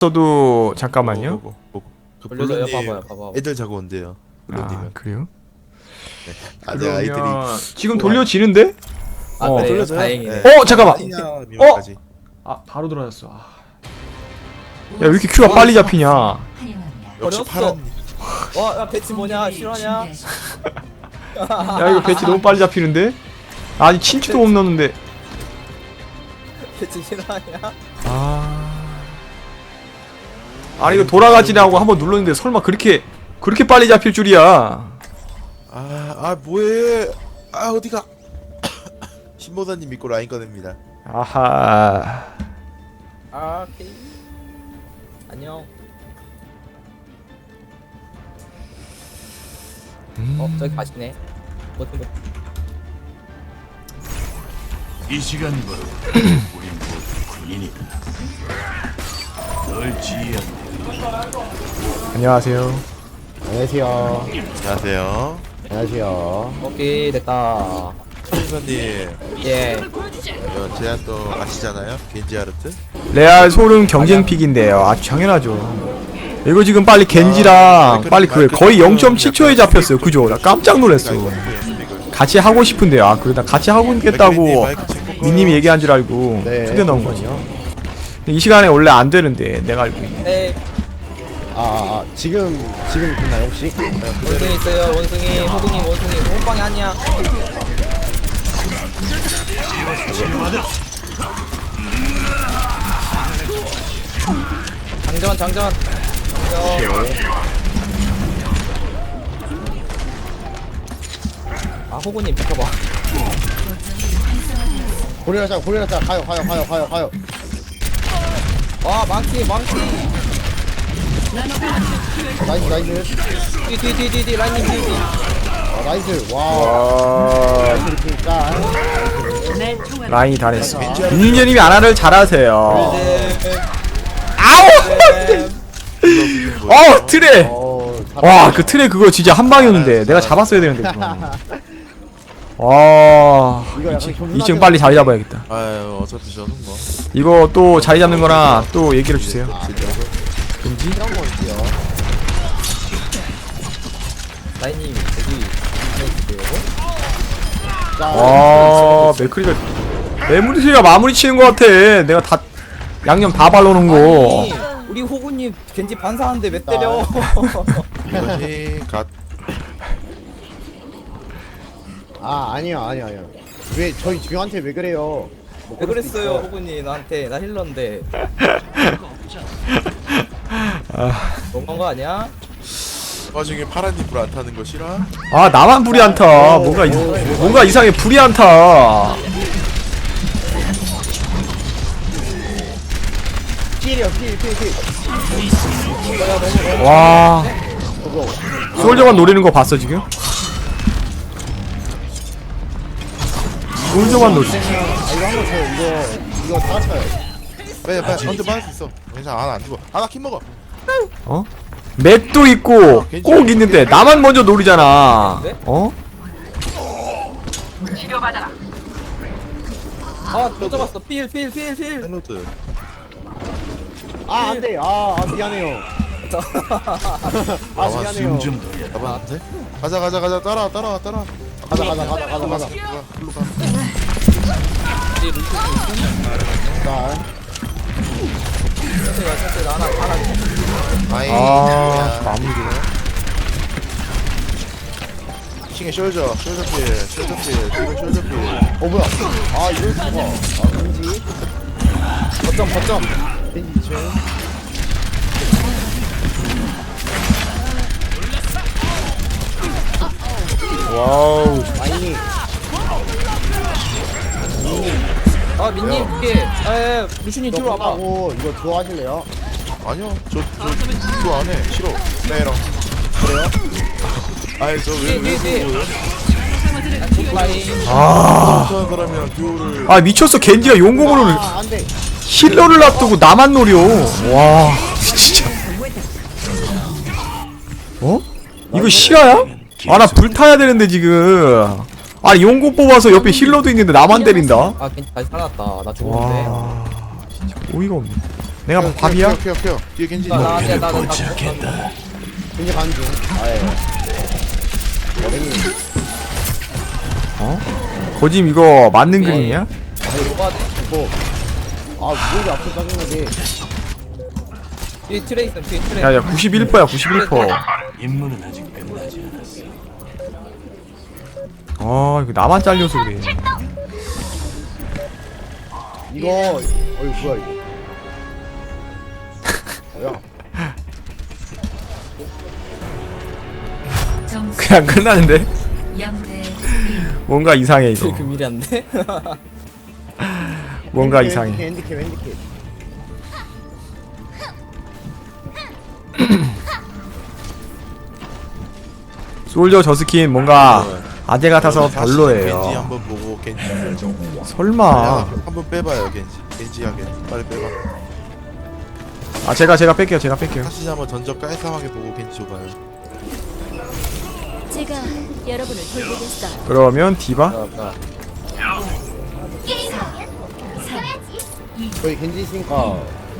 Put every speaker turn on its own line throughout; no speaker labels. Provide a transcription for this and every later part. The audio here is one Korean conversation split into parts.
저도 잠깐만요.
그
돌려줘요.
블루님
봐봐요.
애들 자고 온대요.
아
블루님은.
그래요?
내 아이들이.
지금 돌려지는데?
아
어,
그래요?
돌려줘요?
다행이네.
어 잠깐만.
미만까지.
아 바로 돌아졌어. 야 왜 이렇게 큐가 빨리 잡히냐?
역시
어렸어.
파란.
와, 야 배치 뭐냐? 실화냐?
야 이거 배치 너무 빨리 잡히는데? 아니 친추도 못 넣는데.
배치 실화냐?
아니 이거 돌아가지라고 한번 눌렀는데 설마 그렇게 빨리 잡힐 줄이야?
뭐해? 어디가? 신보사님 믿고 라인 꺼냅니다.
아하.
아, 오케이. 안녕. 저기 가시네. 어떤 거?
이 시간부로 우린 모두 군인이다. 널 지휘한
안녕하세요.
안녕하세요.
안녕하세요.
안녕하세요.
오케이 됐다.
신보사님,
예.
제가 또 아시잖아요? 겐지 아르트?
레알 소름 경쟁 픽인데요. 아 당연하죠. 이거 지금 빨리 겐지랑 빨리 그 거의 0.7초에 잡혔어요. 그죠? 나 깜짝 놀랐어. 같이 하고 싶은데요. 아 그래 나 같이 하고 있겠다고 민님이 얘기한 줄 알고
네.
초대 넣은 거지. 이 시간에 원래 안 되는데 내가 알고 있네.
네.
지금 끝나요 혹시?
원숭이 있어요. 원숭이. 호둥이 원숭이. 호빵이 아니야. 장전. 아 호구님 비켜봐.
고리라자 가요.
와 망치.
나이스.
뒤 라인님 뒤.
나이스. 와. 나이스 이렇게 짠.
라인이 다 냈어. 민님이 아나를 잘하세요. 아우! 트레! 와, 그 트레 그거 진짜 한 방이었는데 내가 잡았어야 되는데. 와,
이거 약간
2층 빨리 자리 잡아야겠다.
어차피 저는 뭐.
이거 또 자리 잡는 거나 또 얘기를 주세요. 금지?
이런 거 있어요.
라인님 여기
와, 맥크리가 메모리가 마무리 치는 거 같아. 내가 다 양념 다 발라놓은 거.
아니 우리 호구님 겐지 반사하는데 왜 때려?
이것이 갓.
아니요. 왜 저한테 왜 그래요? 뭐
왜
그럴 수도
그랬어요
있어요.
호구님 나한테 나 힐러인데 너무한 거 아니야?
와중에 파란님 불 안 타는 거 싫어?
아, 나만 불이 안 타. 뭔가 이상해. 불이 안 타.
필이요.
와. 솔저만 노리는 거 봤어 지금? 솔저만 노리.
이거 한번 쳐요. 이거 다 쳐요.
빨리 언제 받을 수 있어. 괜찮아, 안 죽어. 나킴 먹어.
어? 맷도 있고 꼭 있는데 나만 먼저 노리잖아. 어?
아또 잡았어 필
헬로드.
안돼. 미안해요. 미안해요.
잡았는데? 가자. 따라와.
가자.
글로 가.
자,
아이.
마무리네.
킹의 숄저 필.
뭐야? 이럴 수가. 금지.
거점
벤지 2층.
와우.
라인이.
아 민님 이게 루슈님 뒤로 와봐
하고 이거 들어가실래요?
아니요, 그거 안 해. 싫어. 네랑.
그래요?
아니,
뒤에 라인
아,
못하는 사람이랑 듀오를.
아 미쳤어. 겐지가 용공으로
안돼.
힐러를 놔두고 나만 노려. 와, 진짜. 어? 이거 실화야? 아 나 불타야 되는데 지금. 아니 용공 뽑아서 옆에 힐러도 있는데 나만 때린다.
아 괜찮 다시 살아났다 나 죽었는데
와, 진짜 어이가 없네. 내가 밥이야?
케어. 뒤에 겐지.
나
그를
나
포착했다.
굉장히 가는 중. 아예. 어머니.
어? 거짐 이거 맞는 그림이야?
뭐가 돼?
이거. 아, 무기 앞에 짜증나게.
뒤에 트레 있어. 뒤에 트레.
야야 91%야 91%.
임무는 아직 끝나지 않았어.
아 이거 나만 잘려서 그래.
이거, 어이, 뭐야, 이거. 뭐야.
점수
그냥 끝나는데?
0대
뭔가 이상해 이거.
그 미리 안 돼?
뭔가 이상해.
핸디캡.
솔저 저 스킨 뭔가 아재 같아서
다시 겐지
별로예요.
한번 보고 겐지.
설마.
한번 빼봐요 겐지. 겐지하게 빨리 빼봐.
아 제가 뺄게요. 제가 뺄게요.
다시 한번 던져 깔끔하게 보고 겐지 줘봐요.
제가 여러분을 돌보겠어요.
그러면 디바?
저희 겐지 있으니까.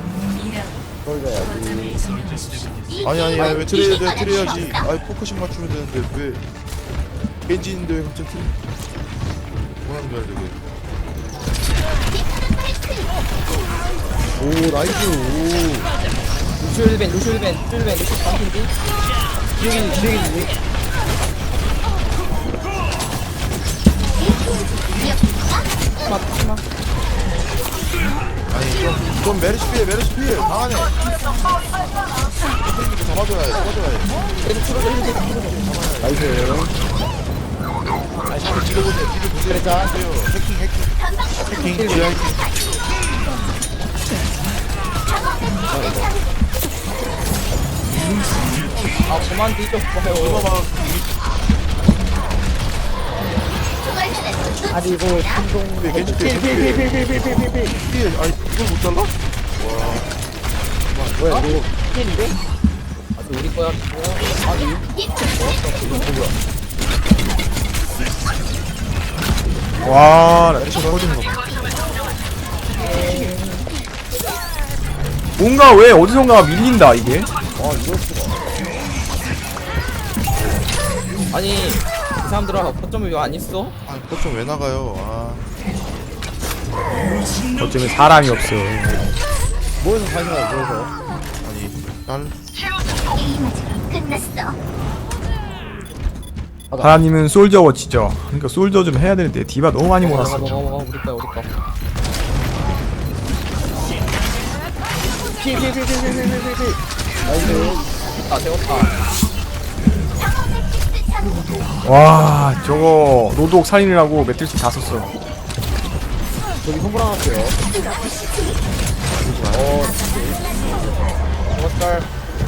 돌려야지.
아니 왜 트레이야지. 아이 포커싱 맞추면 되는데 왜 겐지 있는데 왜 갑자기 트레이? 뭐하는 거야 저게?
오, 나이스. 오.
루시오벤 루시오 반핀지.
기획이지.
아니 좀 메르시 피해 강하네. 잡아줘야 해.
나이스.
아니 샤를 찔러보세요.
그래자.
해킹 지하 해킹.
아 그만 뒤져봐요.
아리고, 충동.
겐지 피해. 아니 이걸 못 잘라?
뭐야, 이거. 필인데?
아 우리 거야.
와, 나 진짜 터지는 거. 봐. 뭔가 왜 어디선가 밀린다 이게?
아, 이럴 수가.
아니 이 사람들아 거점이 왜 안 있어?
아니 거점 왜 나가요? 아
어쩌면 사람이 없어.
뭐에서 사시나요, 뭐에서?
아니 딸
하나님은 솔저 워치죠. 그러니까 솔저 좀 해야 되는데 디바 너무 많이 몰았어.
먹어 우리 거야.
나이스.
아 되었다.
와, 저거 로독 살인이라고 매트리스 다 썼어.
저기 선물 하나 할게요.
좋았달.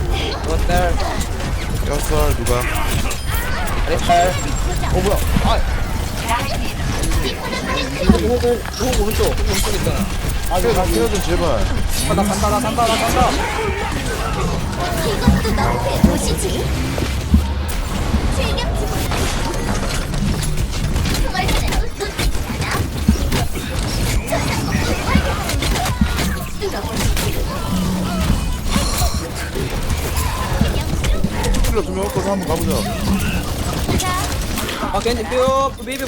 뼈살 누가?
잘했달.
뭐야.
오 오른쪽 있잖아.
아, 이거 나
케어 좀 제발.
간다.
이것도 너의 도시지.
킬러 두명 얻고서 한번 가보자.
아 겐지 뼈 베이비.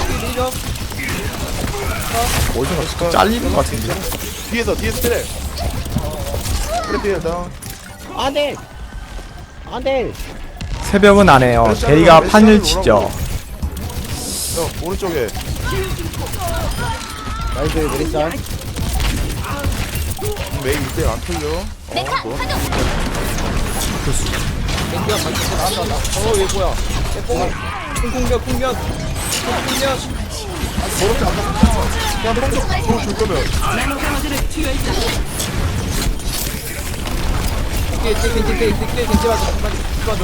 어디서 갔을까? 잘리는 것 같은데.
뒤에서 트랩. 트랩 뒤에 다운.
안 돼! 안 돼!
새벽은 안 해요. 대리가 판을 치죠.
형 오른쪽에.
나이스, 메리짤.
메이 이때 안 털려. 뭐?
겐지가 반칙 나왔다. 어얘 뭐야? 얘 뽕. 풍력.
저렇게 안 맞았어. 그냥 뽕 줄 거면.
겐지 맞아.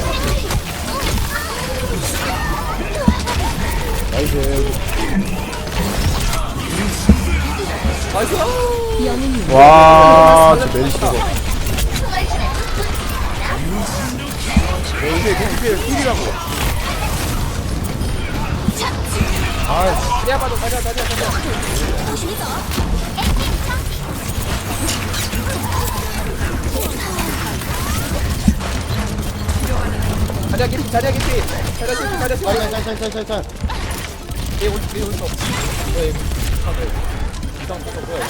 나이스.
나이스.
와, 저 메리시 저거.
이게 힐이라고.
가자. 자리야 깊이 자리야 깊이 자리야 깊이 자리야 깊이
짤짤짤짤짤.
얘 오른쪽 얘 오른쪽 뭐야 얘 이상 뭐가 뭐야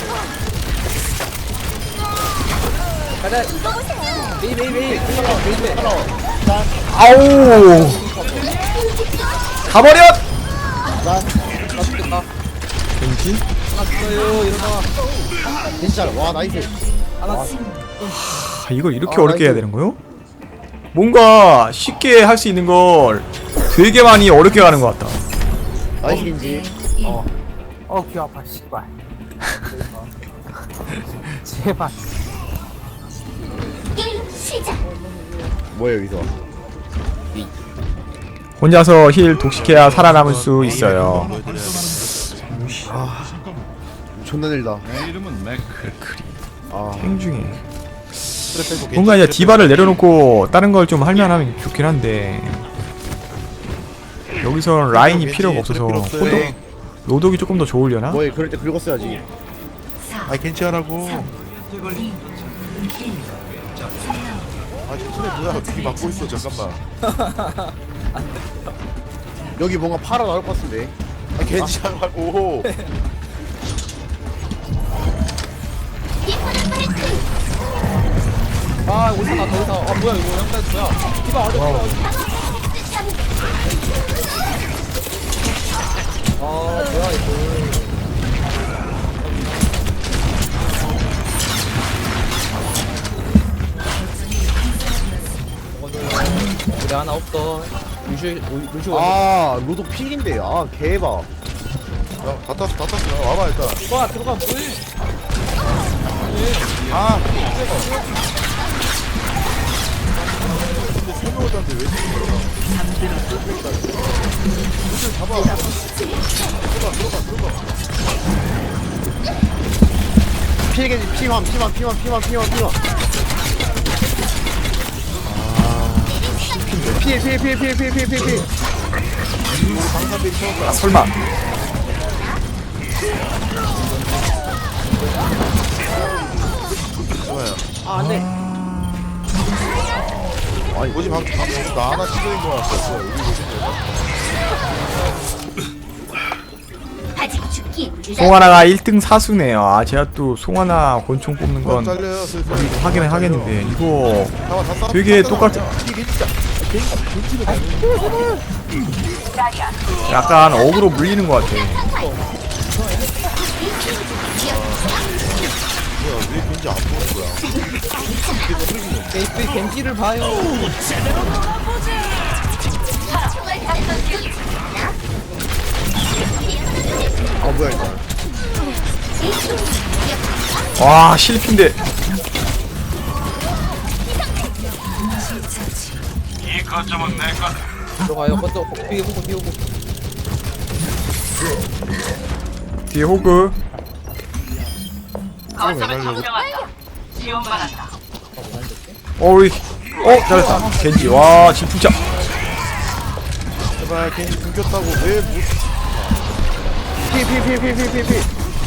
자리야 메이 메이 메이 메이
아우 가버려.
나 죽겠다
겐지
났어요 일어나
진짜 와 나이스.
하나
이걸 이렇게 어렵게 해야 되는 거요? 뭔가 쉽게 할 수 있는 걸 되게 많이 어렵게 가는 것 같다.
나이스 겐지.
귀 아파 씨발 제발
게임 시작.
뭐야 여기서?
혼자서 힐 독식해야 살아남을 수 있어요.
존나 늘다. 아
행중에 뭔가 이제 디바를 내려놓고 다른 걸 좀 할만하면 좋긴 한데 여기서 라인이 필요가 없어서 호독, 로독이 조금 더 좋으려나?
뭐야 그럴 때 긁었어야지.
아이 괜찮하라고. 아 저번에 뭐야 귀 막고 있어 잠깐만.
여기 뭔가 팔아 나올 것 같은데.
아 괜찮하라고.
아 오사 나더 오사 아 뭐야 이거 양단 뭐야 디바 어디 디바 어디 아 뭐야 이거 우리 하나 없어 루슈
아 로도 픽인데. 아 개봐.
다 땄어. 와봐 일단.
들어가 뭐해
아. 근데 설명하던데 왜 지금 잡아. 들어가.
피해겐지 피만. 피해.
아 설마
아 안돼
아니 뭐지 방금 나 하나 찍어인 거 같았어. 여기
아직 죽기
송하나가 1등 사수네요. 아 제가 또 송하나 권총 뽑는 건
잘려요. 슬슬.
하기는 하겠는데 이거
잠깐만, 다 싸-
되게
다
똑같아.
이게 진짜
약간 어그로 물리는 것 같아.
뭐야 왜 왠지 안 보는 거야.
겐지 겐지를 봐요
아 뭐야 이거.
와 실핀데
들어가요 먼저 뒤에 보고
뒤에 호그 어이 잘했다. 겐지 와 진풍차.
제발 괜히 굶겼다고 왜 못.
피.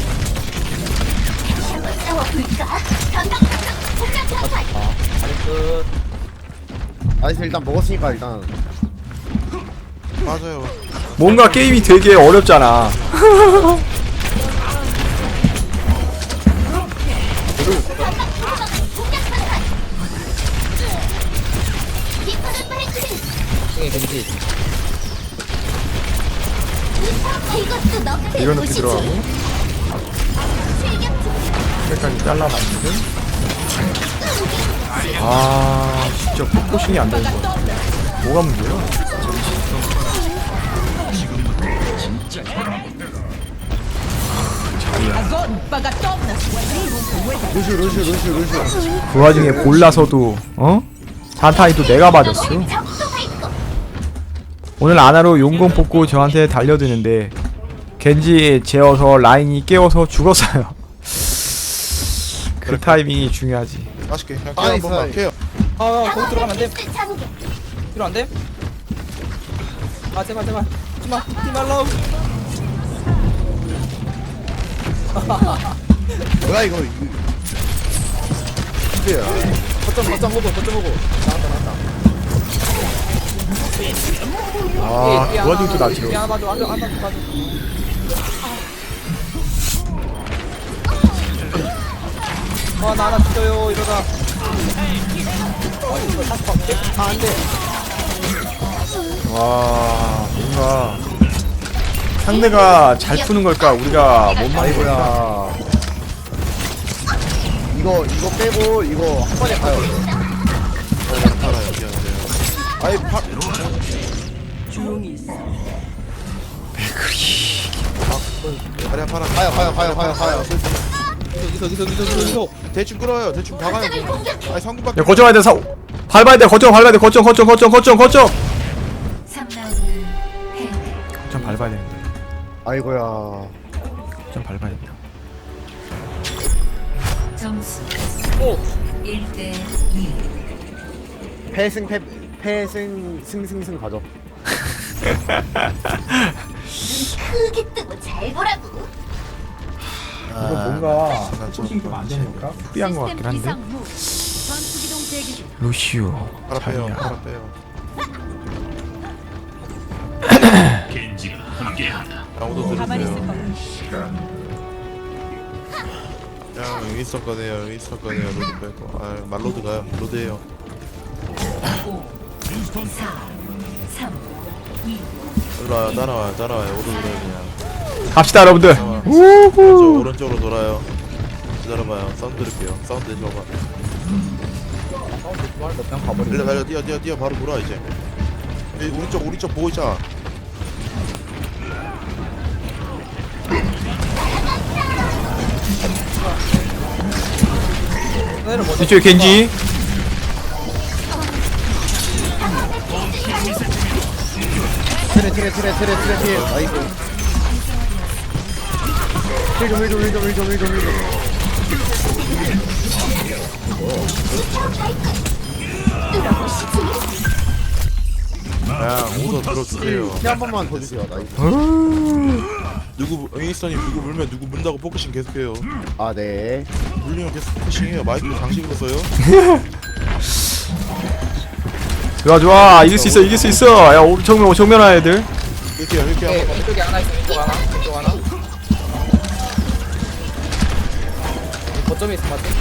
끝
나이스 일단 먹었으니까 일단.
맞아요.
뭔가 게임이 되게 어렵잖아.
중에 겐지
이것도 너의
이거 높이
도시지.
들어가고 여기까지 잘라놨는데 아 진짜 포커싱이 안 되는 거야. 뭐가 문제야?
루슈.
그 와중에 골라서도 자타이도 내가 맞았어. 오늘 아나로 용공 뽑고 저한테 달려드는데 겐지 재워서 라인이 깨워서 죽었어요. 그 타이밍이 중요하지.
맛있게 그냥
아,
깨 한번만
있어요.
깨요.
아 거기 들어가면 안돼 필요 안돼? 아 제발 하지마 히말라우
뭐야 이거. 필. 거점 오고. 나왔다.
아, 그 와중에 또 나 치러.
하나 봐줘 하나 봐줘. 나 하나 죽여요 이러다. 이거 다시 박게? 안돼.
와, 뭔가 상대가 잘 푸는 걸까? 우리가 못 막는 걸까?
아이고야. 이거 빼고 이거 한 번에 가요.
팔아요 미안해요. 아이 팔 다리야 팔아.
가요.
여기서.
대충 끌어요. 대충 박아요. 아니 상구밖에.
야, 거점 밟아야 돼. 밟아야 돼. 거점. 거점 밟아야 되는데.
아이고야.
거점 밟아야 된다.
점수
오.
1대
승 가죠.
크게 뜨고 잘 보라고.
이거 뭔가 포싱 좀안 되는 걸까? 프리한 것 같긴 한데.
전투기동 대기 중.
루시오.
팔아 빼요.
자리야.
팔아 빼요.
겐지가 함께한다.
아무도 들으세요. 야 윈스턴 꺼내요. 로드 빼고. 아 말로드 가요. 로드해요.
4 3
일로 와요. 따라와요. 오도 들어요 그냥.
갑시다, 여러분들.
저 오른쪽으로 돌아요. 기다려봐요. 사운드 들을게요. 사운드 줘봐.
그냥 가버리.
일로 달려 뛰어 바로 돌아 이제. 여기 오른쪽 보고 있잖아.
내를 먼저.
이쪽에 겐지.
트레. 아이고. 힐 좀.
그냥 오도 들어주세요.
힐한 번만 더 주세요. 나이스.
누구 윈스턴이 누구 물면 누구 문다고 포커싱 계속해요.
아 네.
물리면 계속 포커싱해요. 마이크 장식으로 써요.
좋아. 이길 수 있어. 야, 정면화 애들.
이렇게 한번
왼쪽에 하나 있어. 왼쪽 하나. 거점에 있어 맞지?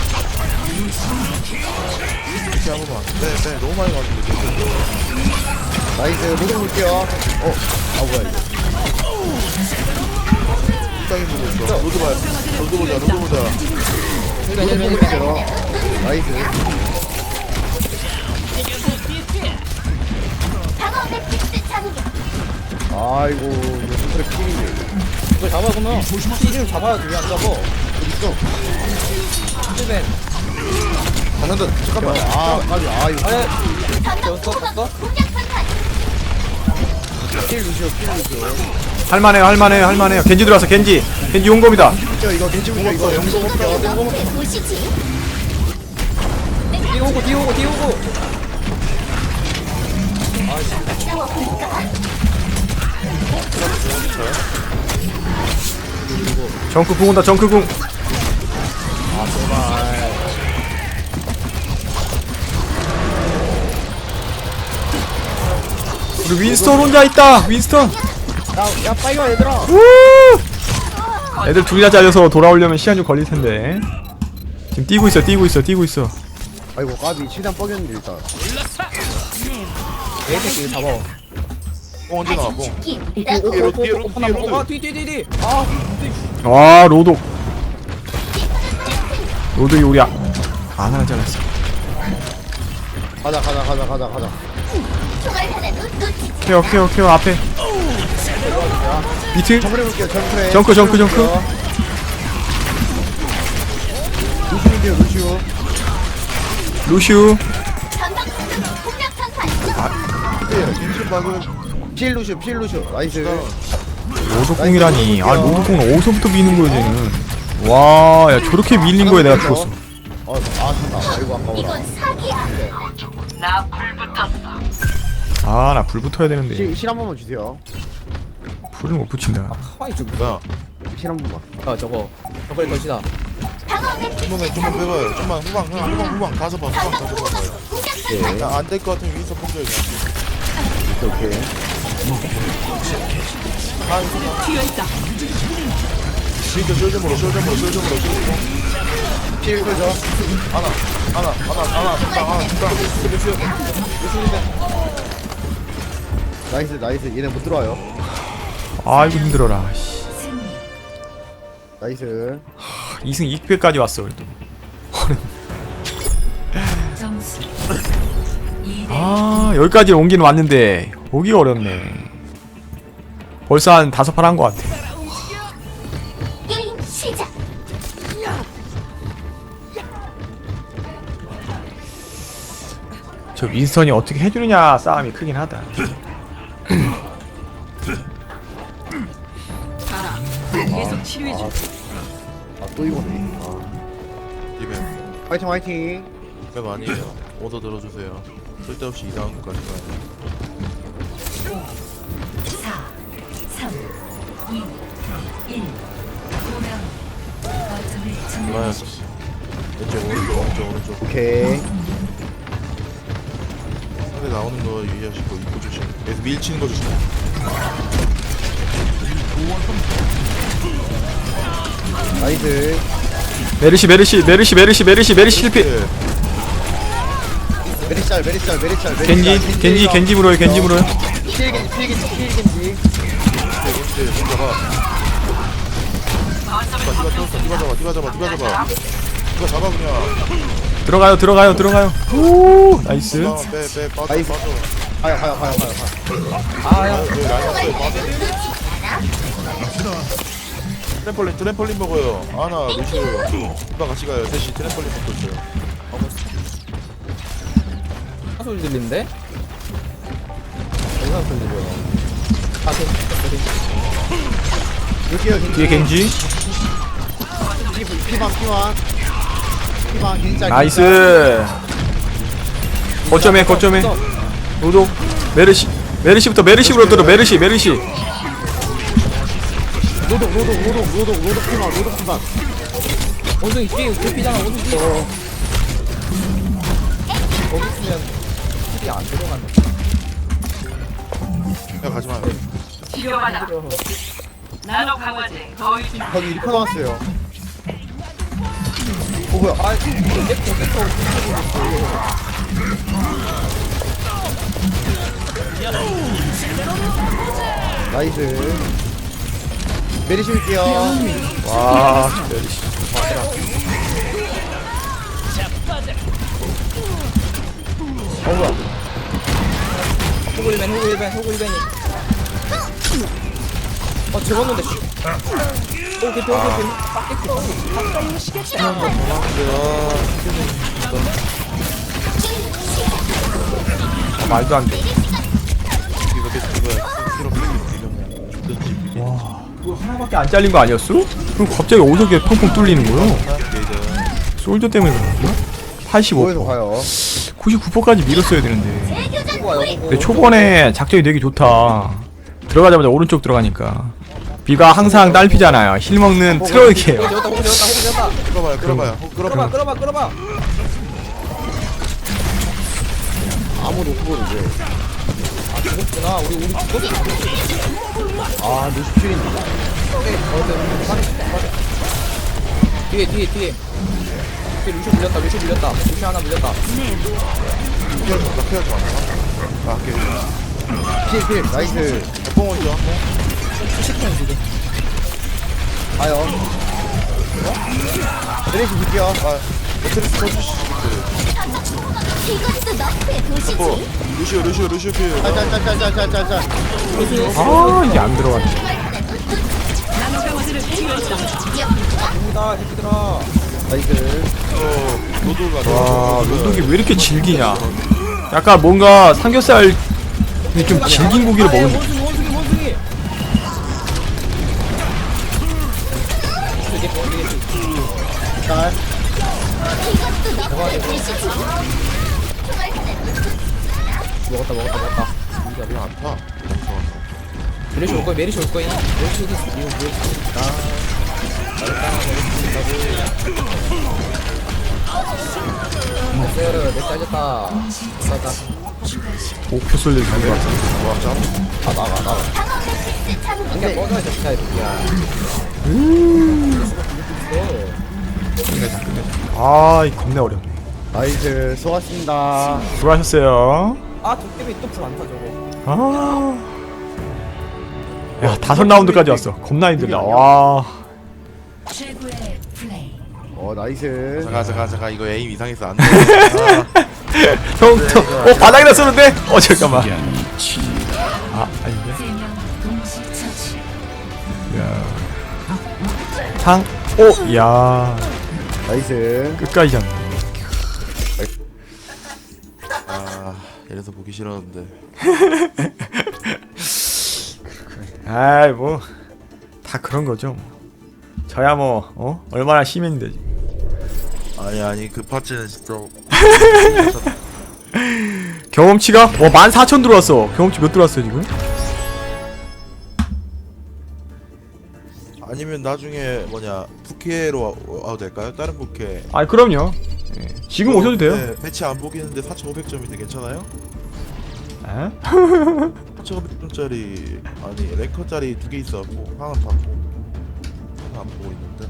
이렇게 한 번만. 네 너무 많이 갔는데.
나이스. 모두 볼게요. 뭐야 이거.
땅에 보고 있어. 로드 봐요. 로드 보자.
나이스.
방어 매트릭스 착륙.
아이고 이거 트레 필인데.
이걸 잡아 그러면 피를 잡아야지 왜안 잡아?
어디 있어?
힐벤.
잠깐만. 아 이거.
아예
전방
떴어?
공격 선탄.
필 루시오.
할만해요. 겐지 들어왔어. 겐지 용검이다.
이거 괜찮죠? 이거 영도 볼게요.
보시지.
뒤에 오고.
싸워볼까?
정크궁 온다. 정크궁. 우리 윈스턴 혼자 있다. 윈스턴.
야 빨리 와 얘들아.
애들 둘이나 잘려서 돌아오려면 시간 좀 걸릴 텐데. 지금 뛰고 있어.
아이고 까비 최대한 뻐겼는데 일단.
내 새끼 잡아.
뽕 언제 나와 뽕.
죽기.
하나 먹어. 뒤.
아, 로독이 우리 하나 잘랐어.
가자.
총알 하나도 놓치지.
케어 앞에. 비트.
정크레 볼게요.
정크.
루시오.
루슈.
전방 공격 선탄.
김치 박은
필 루시오. 나이스.
로독궁이라니. 로독궁은 어디서부터 미는 거야 쟤는. 와, 야 저렇게 밀린 거에 내가 죽었어.
산다. 아이고 아까워라.
이건 사기야.
나 불 붙어야 되는데
실 한 번만 주세요.
불을 못 붙인다.
가만히 좀.
뭐야?
실 한 번만.
저거. 저걸 던지다.
방어 매트
좀만 빼봐요. 좀만 후방 가서 봐. 후방 가서 봐봐요.
공격 전환
안될 것 같으면 윈서 뽕줘야지.
오케이.
진짜 쫄점으로.
필 끄죠.
하나,
나이스. 얘네 못 들어와요.
아이고 힘들어라. 씨.
나이스.
2승 2패까지 왔어 그래도.
점수
아 여기까지 온기는 왔는데 오기가 어렵네. 벌써 한 5판 한 것 같아.
게임 시작.
저 윈스턴이 어떻게 해주느냐 싸움이 크긴 하다.
계속 치료해줘.
또 이거네.
이벤
화이팅.
맵 아니에요. 오더 들어주세요. 쓸데없이 이상한 것까지 가요.
4 3 2 1 5명 거점을
좋아요.
점령하십시오.
왼쪽.
오케이.
상대 나오는 거 유의하시고 입구 조심. 계속 밀치는 거 조심.
나이스.
메르시 실패.
메리짤.
겐지 물어요.
혼자가 디바 잡아. 디바 잡아 그냥.
들어가요. 오 나이스.
빼 빠져.
나이스. 가요.
아야
트램펄린 먹어요. 아나 루시오. 디바 같이 가요. 셋이 트램펄린 먹고 있어요.
소리 들리는데?
영상 들리고요. 여기요.
뒤에 겐지.
피만 겐짤.
나이스. 거점에 로독 메르시부터 메르시로 들어. 메르시.
로독 피만.
원숭이 뒤에 개피잖아 원숭이. 거기 있으면 힐이 안 들어간다.
야 가지 마요.
치료받아. 나노 강화제 거의 준
거기 리퍼 나왔어요. 뭐야?
아 이제 공격하고
나이스. 메리시 올게요.
와 메르시.
뭐야?
호구 1벤이 죽었는데 오 개피
말도 안 돼.
이거 계속 이거야.
그거 하나밖에 안 잘린 거 아니었어? 그럼 갑자기 오석에 펑펑 뚫리는 거요? 솔저 때문에 그런가?
거기서
85%.
가요.
99%까지 밀었어야 되는데.
재교전
호구야
포인트.
근데 초반에 작전이 되게 좋다. 들어가자마자 오른쪽 들어가니까. 비가 항상 딸피잖아요. 힐 먹는 트럭이에요.
호구 되었다
끌어봐요.
끌어봐
아무도 없고 이제.
아 죽었구나 우리 죽었어.
아 루시필인데.
뒤에 루시 물렸다 루시 하나 물렸다.
피하지 마.
필. 나이스.
뽕 먼저.
수식형 지금
가요. 메리시 볼게요.
매트리스 터주시지.
이것도 너프의 도시지.
루시오 필.
짤짤짤짤짤짤짤.
아 이게 안 들어가네.
갑니다 새끼들아.
나이스.
로드가
와 로독이 왜 이렇게 질기냐. 약간 뭔가 삼겹살 좀 질긴 고기를 먹은 느낌.
원숭이
짤.
이것도 너프의 도시지. 총알 하나
먹었다
왜안 타?
메리시 올 거야 메리시 어디 있어 이거 뭐야
내 잘렸다. 싸다.
목표 쏠릴 것 같아.
아 나가.
방어 매트릭스 참고.
근데 꺼져야 돼 진짜 이야.
아, 이 겁내 어렵네.
나이스 수고하셨습니다.
수고하셨어요.
아 도깨비 또 불 안 타 저거.
아. 야, 5라운드까지 왔어. 겁나 힘들다. 와.
최고의 플레이.
나이스.
잠깐 이거 에임 이상해서 안 돼.
형, 바닥에다 쏘는데? 잠깐만. 아, 아닌데?
3명 동시 처치.
상, 야.
나이스.
끝까지 잡네.
아 이래서 보기 싫었는데.
아이, 뭐. 다 그런 거죠. 저야 뭐, 얼마나 시민인데. 지금.
아니 그 파츠는 진짜.
경험치가? 14,000 들어왔어. 경험치 몇 들어왔어요, 지금?
아니면 나중에 부캐로 와도 될까요? 다른 부캐.
아이, 그럼요. 예. 지금 오셔도 돼요.
네, 배치 안 보기는데 4,500점인데 괜찮아요?
에?
4,500점짜리 아니 랭커짜리 2개 있어갖고 하나 받고 하나 안 보고 있는데.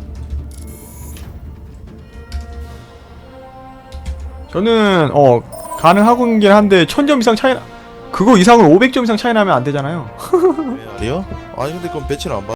저는 가능하긴 한데 1000점 이상 차이 그거 이상으로 500점 이상 차이 나면 안 되잖아요.
아니요? 아니 근데 그럼 배치를 안 받.